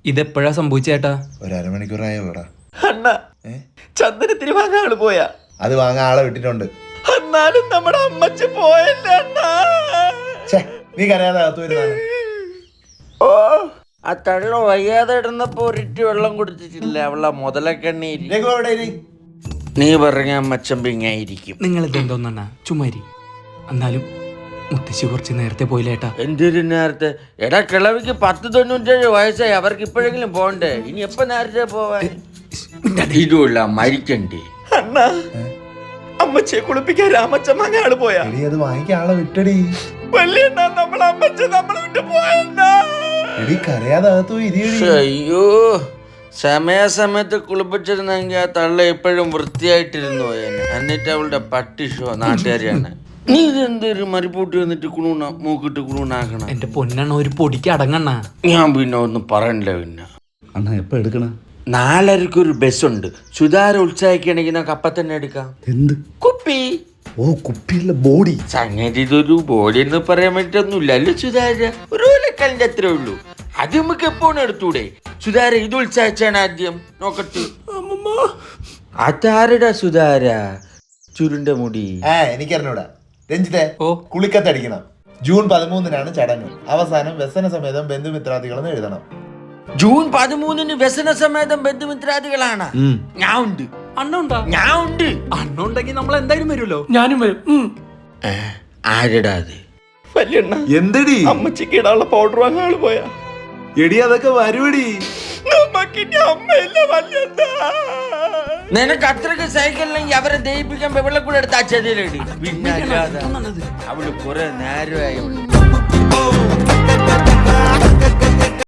ഇതെപ്പോഴാ സംഭവിച്ചേട്ടാ? ഒരു അരമണിക്കൂറായോടാ. അണ്ണ ചന്ദനത്തിന് വാങ്ങാൻ ആള് പോയാ? അത് വാങ്ങാൻ ആളെ വിട്ടിട്ടുണ്ട്. എന്നാലും നമ്മുടെ അമ്മച്ചി പോയല്ല അണ്ണാ. നീ കരയാതെ അകത്ത് വരുന്നതാണ്. ഓ ആ തള്ള വയ്യാതെ ഇടുന്നപ്പോ ഒരിറ്റ് വെള്ളം കുടിച്ചിട്ടില്ല അവളെ മുതലക്കണ്ണീര്. നീ പറഞ്ഞ അമ്മച്ചൻ പിങ്ങായിരിക്കും. നിങ്ങൾ ഇതെന്തോന്നാ ചുമ്മാരി. എന്നാലും മുത്തശ്ശി കുറച്ച് നേരത്തെ പോയില്ലേട്ടാ. എന്തൊരു നേരത്തെ? എടാ കിളവിക്ക് 10-97 വയസ്സായി. അവർക്ക് ഇപ്പോഴെങ്കിലും പോണ്ടേ? ഇനി എപ്പോ നേരത്തെ പോവാൻ? ഇതുമില്ല മരിക്കണ്ടേ അണ്ണാ. അമ്മച്ചിയെ കുളിപ്പിക്കാൻ രാമച്ചൻ വാങ്ങാൻ ആള് പോയാ? അത് വാങ്ങിക്കാൻ ആളെ വിട്ടടി. നമ്മളെ അമ്മച്ചൻ നമ്മളെ വിട്ട് പോയണ്ടാ. കരയാതെ അകത്ത് പോയി ഇരിയടി. അയ്യോ, സമയാസമയത്ത് കുളിപ്പിച്ചിരുന്നെങ്കിൽ ആ തള്ള എപ്പോഴും വൃത്തിയായിട്ടിരുന്നു പോയേനെ. എന്നിട്ട് അവളുടെ പട്ടി ഷോ നാട്ടുകാരിയാണ്. നീ ഇതെന്തൊരു മരിപ്പൂട്ടി വന്നിട്ട് കുണൂണ മൂക്കിട്ട് കുണൂണാക്കണം. എന്റെ പൊന്നെണ്ണ ഒരു പൊടിക്ക് അടങ്ങണ്ണ. ഞാൻ പിന്നെ ഒന്നും പറയണില്ല. പിന്നെ അണ്ണാ എപ്പ എടുക്കണ? 4:30 ഒരു ബസ്സുണ്ട്. സുധാര ഉത്സാഹിക്കണെങ്കിൽ നമുക്ക് അപ്പം തന്നെ എടുക്കാം. എന്ത് കുപ്പി? ഓ കുപ്പിയല്ല, ബോഡി. സംഗതി ഇതൊരു ബോഡി എന്ന് പറയാൻ പറ്റൊന്നുമില്ല അല്ലേ സുധാര? ഒരു ഓലക്കല്ലിന്റെ അത്രേ ഉള്ളൂ. അത് നമുക്ക് എപ്പോഴും എടുത്തൂടെ? സുധാര ഇത് ഉത്സാഹിച്ചാണ് ആദ്യം നോക്കട്ടെ. അതാരടാ സുധാര? ചുരുണ്ട മുടി. എനിക്കറിഞ്ഞൂടാ. രഞ്ജിത്തെ, ഓ കുളിക്കത്തടിക്കണം. ജൂൺ 13-നാണ് ചടങ്ങ്. അവസാനം വ്യസന സമേതം ബന്ധുമിത്രാദികളെന്ന് എഴുതണം. ജൂൺ 13-ന് വ്യസന സമേതം ബന്ധുമിത്രാദികളാണ്. ഞാൻ ഉണ്ട്. അണ്ണ ഉണ്ടാ? ഞാൻ ഉണ്ട്. അണ്ണ ഉണ്ടെങ്കിൽ നമ്മൾ എന്തായാലും വരുമല്ലോ. ഞാനും വരും. ആരടാ അത്? എന്തടി? അമ്മച്ചിക്ക് ഇടാനുള്ള പൗഡർ വാങ്ങാൻ ആള് പോയാ? എടി അതൊക്കെ വരുവടി. നിനക്ക് അത്രക്ക് സൈക്കിളിലെങ്കിൽ അവരെ ദയിപ്പിക്കാൻ വെള്ളം കൂടെ എടുത്ത് ആ ചെതിയിലിടി. പിന്നെ അവള് കുറെ നേരമായി